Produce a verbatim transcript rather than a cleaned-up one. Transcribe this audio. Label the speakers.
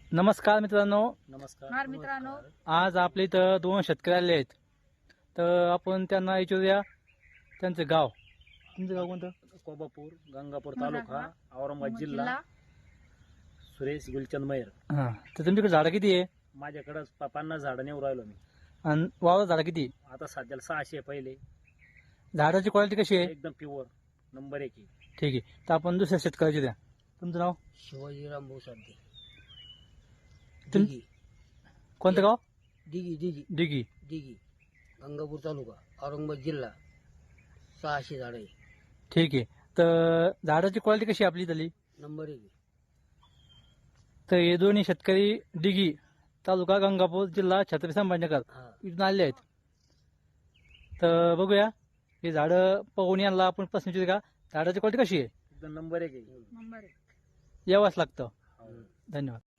Speaker 1: नमस्कार मित्रांनो,
Speaker 2: नमस्कार
Speaker 3: मित्रांनो,
Speaker 1: आज आपल्या इथं दोन शेतकरी आले आहेत. तर आपण त्यांना विचारूया त्यांचं गाव. तुमचं गाव कोणतं?
Speaker 2: कोबापूर, गंगापूर तालुका, औरंगाबाद जिल्हा. सुरेश गुलचंद मैर.
Speaker 1: हां, तर तुमच्याकडे झाडं किती आहे
Speaker 2: माझ्याकडे पन्नास झाडं नेऊ राहिलो मी.
Speaker 1: आणि वावर झाडं किती आहे?
Speaker 2: आता सध्याला सहाशे आहे. पहिले
Speaker 1: झाडाची क्वालिटी कशी आहे?
Speaker 2: एकदम प्युअर नंबर एक आहे.
Speaker 1: ठीक आहे. तर आपण दुसऱ्या शेतकऱ्याची द्या. तुमचं नाव?
Speaker 4: शिवाजीराम भोसाडे.
Speaker 1: तुम-
Speaker 4: दिघी
Speaker 1: कोणतं गाव?
Speaker 4: दिघी दिघी
Speaker 1: डिगी.
Speaker 4: दिघी गंगापूर तालुका, औरंगाबाद जिल्हा. सहाशे झाड आहे.
Speaker 1: ठीक आहे. तर झाडाची क्वालिटी कशी आहे आपली इथली?
Speaker 4: नंबर एक आहे.
Speaker 1: तर हे दोन्ही शेतकरी डिगी तालुका गंगापूर जिल्हा छत्रपती संभाजीनगर
Speaker 4: हा
Speaker 1: इथून आले आहेत. तर बघूया हे झाडं पाहून यांना आपण प्रश्न विचारू का झाडाची क्वालिटी कशी आहे?
Speaker 2: एकदम नंबर एक आहे.
Speaker 3: नंबर एक.
Speaker 1: यावंच लागतं.
Speaker 2: हो.
Speaker 1: धन्यवाद.